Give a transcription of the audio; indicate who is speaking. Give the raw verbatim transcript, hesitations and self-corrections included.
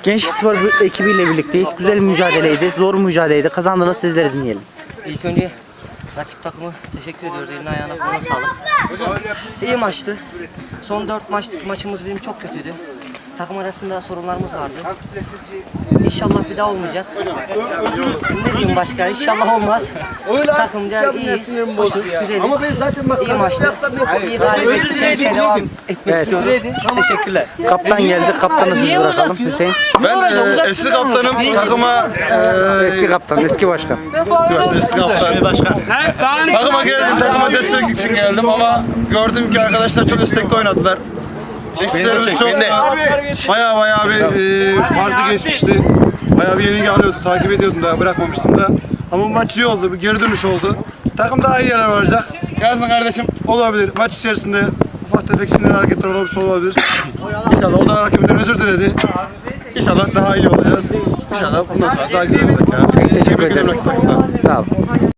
Speaker 1: Gençlik Spor ekibiyle birlikteyiz. Güzel bir mücadeleydi, zor bir mücadeleydi. Kazandınız, sizleri dinleyelim.
Speaker 2: İlk önce rakip takımı teşekkür ediyoruz. Eline ayağına koluna sağlık. İyi maçtı. Son dört maç, maçımız benim çok kötüydü. Takım arasında sorunlarımız vardı. İnşallah bir daha olmayacak. Ne diyeyim başka? İnşallah olmaz. Takımca iyiyiz, hoşuz, güzeliz. İyi maçtı. İyi galibiyet içerisine devam etmek
Speaker 1: Evet.
Speaker 2: istiyoruz. Teşekkürler.
Speaker 1: Kaptan geldi, kaptana söz bırakalım. Hüseyin.
Speaker 3: Ben e, eski kaptanım, takıma e,
Speaker 1: Eski kaptan, eski başkan.
Speaker 3: Sivas'ta eski kaptan. Takıma geldim, takıma destek için geldim ama gördüm ki arkadaşlar çok istekli oynadılar. Eksilerimiz çok baya baya bir e, farklı geçmişti. Baya bir yenilgi alıyordu, takip ediyordum da, bırakmamıştım da. Ama bu maç iyi oldu, bir geri dönüş oldu. Takım daha iyi yerler varacak. Yazın kardeşim, olabilir. Maç içerisinde ufak tefek sinirli hareketler olabilir, olabilir. İnşallah o da rakibinden özür diledi. İnşallah daha iyi olacağız. İnşallah bundan sonra daha güzel olacak ya.
Speaker 1: Teşekkür ederiz. Sağ olun.